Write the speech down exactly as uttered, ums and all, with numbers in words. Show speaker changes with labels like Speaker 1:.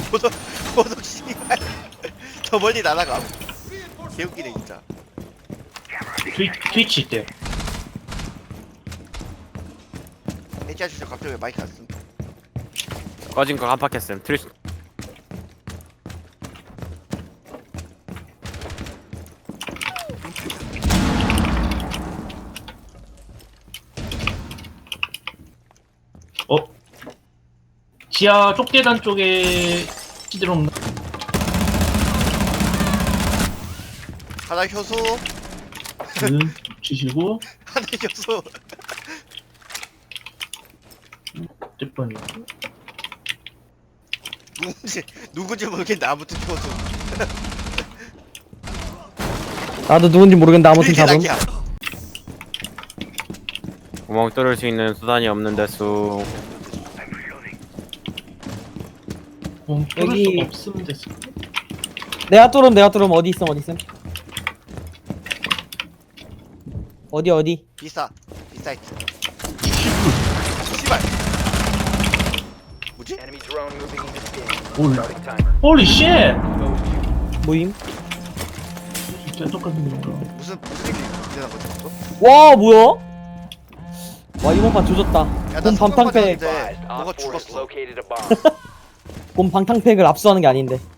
Speaker 1: 보석 보석 씨발 저 멀리 날아가. 개웃기네 진짜.
Speaker 2: 트위, 트위치 있대요.
Speaker 1: 애지 아저씨 갑자기 왜 마이크 안 쓴?
Speaker 3: 꺼진 거 깜빡했음. 트리
Speaker 2: 어? 지하 쪽계단 쪽에 시드롬.
Speaker 1: 하나 효소
Speaker 2: 음, 치시고
Speaker 1: 하나 효소.
Speaker 2: 뜰뻔이.
Speaker 1: 누군지 누군지 모르겠는데 아무튼 효소.
Speaker 4: 나도 누군지 모르겠는데 아무튼
Speaker 1: 그게
Speaker 4: 잡음.
Speaker 1: 낙이야.
Speaker 3: 구멍 뚫을 수 있는 수단이 없는 데수.
Speaker 2: 어, 뚫을
Speaker 4: 여기-
Speaker 2: 수 없으면 됐어.
Speaker 4: 내가 뚫음 내가 뚫음 어디 있음 어디 있음. 어디 어디.
Speaker 1: 비싸 비사이트. 씨발. 뭐지?
Speaker 5: Enemy drone moving into scan.
Speaker 2: 올.
Speaker 5: Starting timer.
Speaker 2: 홀리 쉣!
Speaker 4: 모임.
Speaker 2: 진짜 똑같은 건가?
Speaker 1: 무슨 무슨 일이 일어난 거지? 또?
Speaker 4: 와 뭐야? 와 이번 판 조졌다.
Speaker 1: 야, 나
Speaker 4: 곰 방탕팩
Speaker 1: 성병
Speaker 5: Advised,
Speaker 1: 뭐가
Speaker 5: Op four has
Speaker 1: 죽었어.
Speaker 5: located a bomb.
Speaker 4: 곰 방탕팩을 압수하는 게 아닌데.